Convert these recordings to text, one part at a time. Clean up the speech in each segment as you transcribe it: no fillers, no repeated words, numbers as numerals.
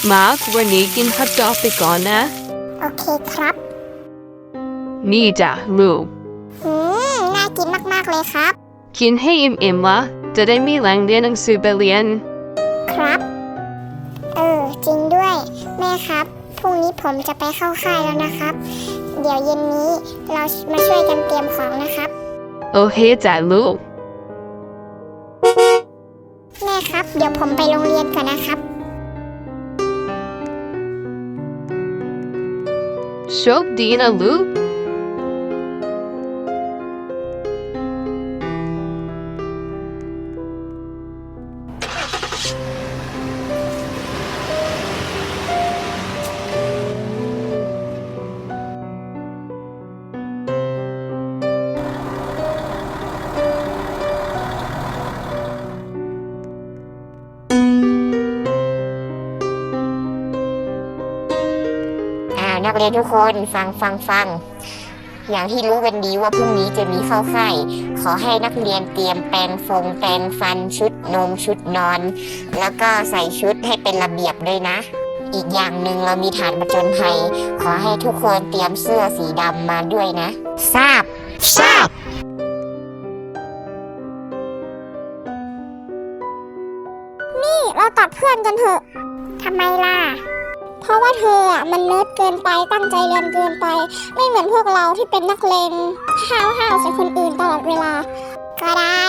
มาร์ควันนี้กินฮอทดอกไปก่อนนะโอเคครับนี่จ้ะลูกน่ากินมากๆเลยครับกินให้อิ่มๆละจะได้มีแรงเรียนหนังสือไปเรียนครับจริงด้วยแม่ครับพรุ่งนี้ผมจะไปเข้าค่ายแล้วนะครับเดี๋ยวเย็นนี้เรามาช่วยกันเตรียมของนะครับโอเคจ้ะลูกแม่ครับเดี๋ยวผมไปโรงเรียนก่อนนะครับโชคดีนะลูกนักเรียนทุกคนฟังอย่างที่รู้กันดีว่าพรุ่งนี้จะมีเข้าค่ายขอให้นักเรียนเตรียมแปรงฟันชุดนมชุดนอนแล้วก็ใส่ชุดให้เป็นระเบียบด้วยนะอีกอย่างหนึ่งเรามีฐานผจญภัยขอให้ทุกคนเตรียมเสื้อสีดำมาด้วยนะทราบนี่เราตัดเพื่อนกันเถอะทำไมล่ะเพราะว่าเธอมันเนิร์ดเกินไปตั้งใจเรียนเกินไปไม่เหมือนพวกเราที่เป็นนักเลงห้าวใส่คนอื่นตลอดเวลาก็ได้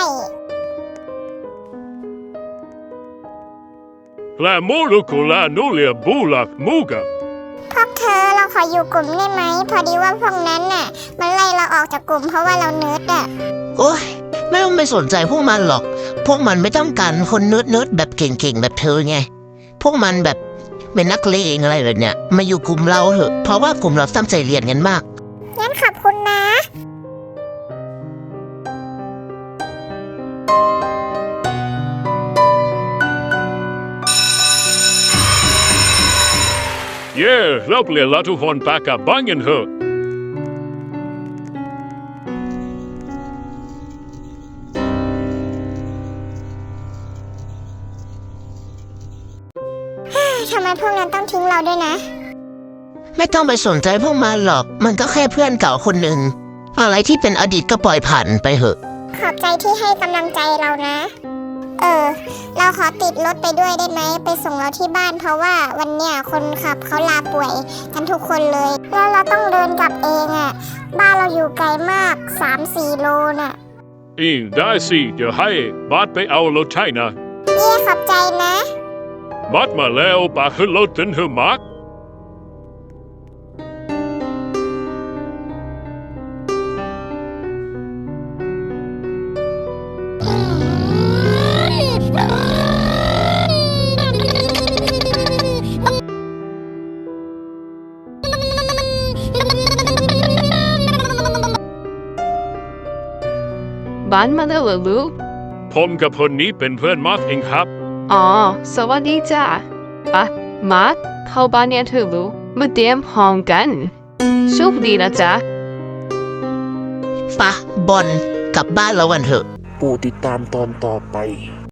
La molecola nulia bulak muga พวกเธอเราขออยู่กลุ่มได้ไหมพอดีว่าพวกนั้นมันไล่เราออกจากกลุ่มเพราะว่าเราเนิร์ดโอ๊ยไม่ต้องไปสนใจพวกมันหรอกพวกมันไม่ต้องการคนเนิร์ดแบบเก่งๆแบบเธอไงพวกมันแบบเป็นนักเลงอะไรแบบเนี้ยมาอยู่กลุ่มเราเถอะเพราะว่ากลุ่มเราตั้งใจเรียนกันมากงั้นขอบคุณนะ Yeah เราเปลี่ยนละทุกคนปากกับบ้านกันเถอะทำไมพวกนั้นต้องทิ้งเราด้วยนะไม่ต้องไปสนใจพวกมันหรอกมันก็แค่เพื่อนเก่าคนหนึ่งอะไรที่เป็นอดีตก็ปล่อยผ่านไปเถอะขอบใจที่ให้กำลังใจเรานะเราขอติดรถไปด้วยได้ไหมไปส่งเราที่บ้านเพราะว่าวันเนี้ยคนขับเขาลาป่วยกันทุกคนเลยแล้วเราต้องเดินกลับเองบ้านเราอยู่ไกลมาก 3-4 โลน่ะได้สิเดี๋ยวให้บัสไปเอารถให้นะขอบใจนะบัสมาแล้วปาขึ้นรถถึงเธอมาร์คบ้านมาแล้วเหรอลูกผมกับคนนี้เป็นเพื่อนมาร์คเองครับอ๋อสวัสดีจ้ะมาร์คเข้าบ้านเนี่ยเธอลูกมาเตรียมห้องกันโชคดีนะจ๊ะปะบอลกลับบ้านแล้ววันเถอะโปรดติดตามตอนต่อไป